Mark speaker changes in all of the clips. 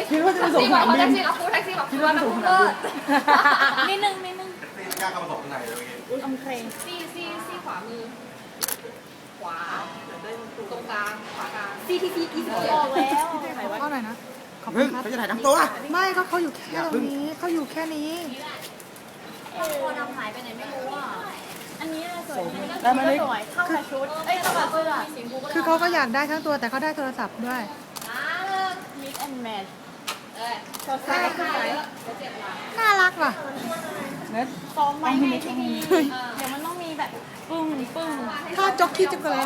Speaker 1: คิดว่าจะส่ง
Speaker 2: แท็
Speaker 1: สนาม
Speaker 2: ก
Speaker 1: บิน
Speaker 2: ซี่กับฟูแท็กซี่กับ
Speaker 1: คิ
Speaker 2: ฟู
Speaker 1: ดว่า
Speaker 2: นะ
Speaker 1: ส่ง
Speaker 2: ฟู
Speaker 1: สนาม
Speaker 2: เลิ
Speaker 1: บิน
Speaker 2: ศ
Speaker 3: นิดนึง
Speaker 4: กล้าเข้ามาส่งข้างในเลยเมื่อกี้
Speaker 3: อมเครง
Speaker 2: ซี่ขวามือขวาตรงกลางขวากลาง
Speaker 3: CTC กี่สิบออกแล้ว
Speaker 1: เข้าหน่อยนะ
Speaker 4: เฮ้ยเขาจะถ่ายทั้งตัว
Speaker 1: ไม่เขาอยู่แค่ตรงนี้เขาอยู่แค่นี้
Speaker 3: โคดำหายไปไหนไม่รู้อ่ะอันนี้อะไรสวย
Speaker 1: แล้วมันไม่
Speaker 3: สวยเข้ากับชุดเอ้ยเข้ากับเสื้อ
Speaker 1: คือเขาก็อยากได้ทั้งตัวแต่เขาได้โทรศัพท์ด้วย
Speaker 3: มิกแอนด์แมท
Speaker 2: ใช่ใช่เขาเจ็บหลัง
Speaker 1: น่ารักว่ะ
Speaker 3: ซ้อมไว้ไงที่นี่เดี๋ยวมันต้องมีแบบปึ้งปึ้ง
Speaker 1: ถ้าจ็อกกี้จะเกิด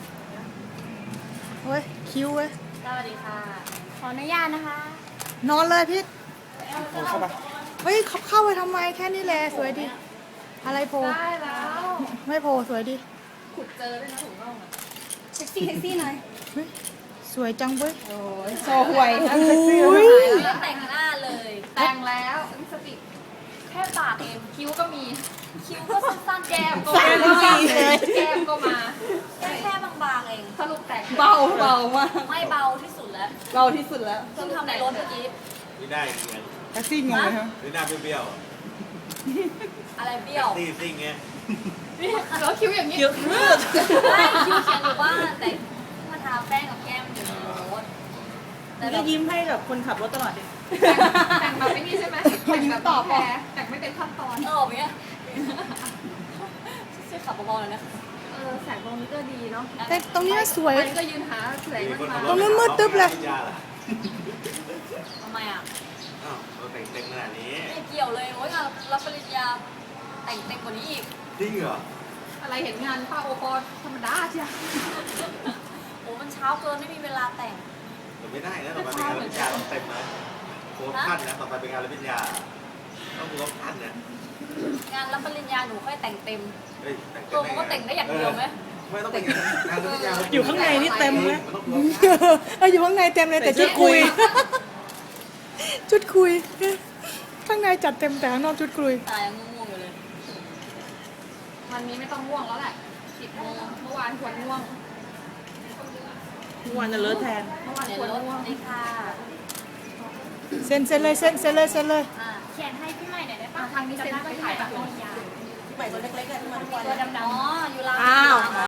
Speaker 1: เว้ยคิ้วเว้ย
Speaker 3: สวัสดีค่ะขออนุญาตนะคะ
Speaker 1: นอนเลยพี่
Speaker 4: เข้าไป
Speaker 1: เฮ้ยเขาเข้าไปทำไมแค่นี้แหละสวยดี อะไรโพ
Speaker 2: ได้แล้ว
Speaker 1: ไม่โพสวยดี
Speaker 2: ขุดเจอด้วยนะถุงน่องอ่ะ
Speaker 3: เซ็กซี่หน่อย
Speaker 1: เฮ้ยสวยจังเว้ย
Speaker 3: โชว์หวย
Speaker 1: อุ้ย
Speaker 3: แต่งหน้าเลย
Speaker 2: แต่งแล้วลิปสติกแค่ปากเองคิ้วก็มี
Speaker 3: คิ้วก็สั้นๆ
Speaker 2: แก้มก็
Speaker 3: สั้น
Speaker 2: มา
Speaker 3: จริงๆเลย
Speaker 2: แก้มก็มา
Speaker 3: แค่บางๆเอง
Speaker 2: สรุปแตก
Speaker 5: เบามาก
Speaker 3: ไม่เบาที่สุดแล้ว
Speaker 5: เบาที่สุดแล้ว
Speaker 3: เพิ่งทำในรถเมื่อกี้
Speaker 4: ไม่ได้เงี้ย
Speaker 1: แท็กซี่งงเลยครับ
Speaker 4: ไม่น่าเบี้ยว
Speaker 3: อะไรเบี้ยว
Speaker 4: ตีซิ่งเงี้ย
Speaker 2: แล้วคิ้วอย่างนี้
Speaker 5: เยอะมาก
Speaker 3: ไม่คิ้วเขียนอยู่บ้านแต่มาทาแป้งกับแก้มอยู่ในรถแต่
Speaker 5: ก็ยิ้มให้กับคนขับรถตลอดดิ
Speaker 2: แต่งแบบไม่นี่ใช่ไหมแต่งแบบต่อแพรแต่งไม่เป็นขั้นตอน
Speaker 3: เออแบบเนี้ยช่วยขับเบาๆหน่อยนะ
Speaker 2: แสงตรงนี้ก็ดีเนาะ
Speaker 1: แต่ตรงนี้มันสวย
Speaker 2: มันก็ยืนหาแสงมันมา
Speaker 1: ตรงนู้นมืดตึ๊บเลย
Speaker 3: ทำไมอ่ะ
Speaker 4: อ้าวเราแต่งเต็มขนาดนี้
Speaker 3: ไม่เกี่ยวเลยโอ้ยงานรับปริญญาแต่งเต็มกว่านี้อีก
Speaker 4: จริงเหรอ
Speaker 2: อะไรเห็นงานป้าโอปอธรรมดาใช่ไหม
Speaker 3: โอ้มันเช้าเกินไม่มีเวลาแต่ง
Speaker 4: แต่ไม่ได้นะต่อไปเป็นงานรับปริญญาต้องเต็มนะโค้ดขั้นนะต่อไปเป็นงานรับปริญญาต้องมีโค้ดขั้นนะ
Speaker 3: งานรับปริญญาหนูค่อยแต่งเต็ม
Speaker 4: เฮ้ยแต่งเต็
Speaker 3: ตัว
Speaker 4: ม
Speaker 3: มันก็แต่งได้อย่างเดียวไหม
Speaker 4: ไม่ต้องเป็นงานรับปริญญา
Speaker 5: อยู่ข้างในนี่เต็มไหม
Speaker 4: นต้องโค้ดขั้น
Speaker 1: เอออยู่ข้างในเต็มเลยแต่ชุดคุย ชุดคุย ข้างในจัดเต็มแต่ข้างนอกชุดคุย
Speaker 3: ตายังง่วงๆอยู่เลย
Speaker 2: วันนี้ไม่ต้องง่วงแล้วแหละ10 โมงเมื่อวานควรง่วง
Speaker 5: ทุกวันจะเลอะแทน
Speaker 2: เมื่อวาน
Speaker 3: เดี๋ยว
Speaker 2: ควร
Speaker 3: รถ
Speaker 2: ง่วง
Speaker 3: นี่ค่ะ
Speaker 1: เซ็นเลยเซ็นเลยเซ็นเลย
Speaker 3: อ่าเขียนให้พี่ใหม่หน่อยได้
Speaker 2: ทางนี้เซ็นไปถ่ายแบบ
Speaker 5: ใหม่ตัวเล็กๆอะที่มาทุกวัน
Speaker 3: ตัวดำๆอ๋ออยู่ร้าน
Speaker 5: อ้าว